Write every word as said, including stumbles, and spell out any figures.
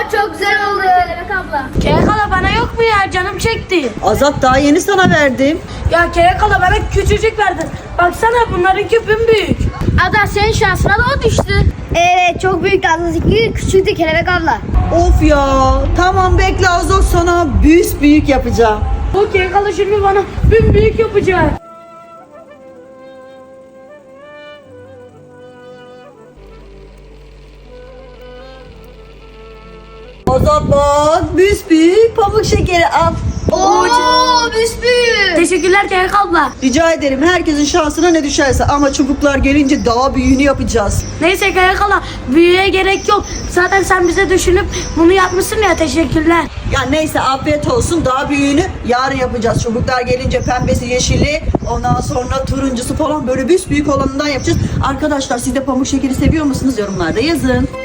çok güzel oldu Kelebek abla. Kelebek abla bana yok mu ya? Canım çekti. Azat daha yeni sana verdim. Ya Kelebek abla bana küçücük verdin. Baksana bunlarınki büyük. Ada senin şansına da o düştü. Evet çok büyük Azat'ınki küçüktü Kelebek abla. Of ya. Tamam bekle Azat, sana büyük büyük yapacağım. O Kelebek abla şimdi bana büyük yapacak. Azat bak, büyük büyük pamuk şekeri al. Oo büsbüyük. Teşekkürler Kelebek abla. Rica ederim, herkesin şansına ne düşerse, ama çubuklar gelince daha büyüğünü yapacağız. Neyse Kelebek abla büyüye gerek yok. Zaten sen bize düşünüp bunu yapmışsın ya, teşekkürler. Ya neyse, afiyet olsun, daha büyüğünü yarın yapacağız. Çubuklar gelince pembesi, yeşili, ondan sonra turuncusu falan, böyle büyük büyük olanından yapacağız. Arkadaşlar siz de pamuk şekeri seviyor musunuz? Yorumlarda yazın.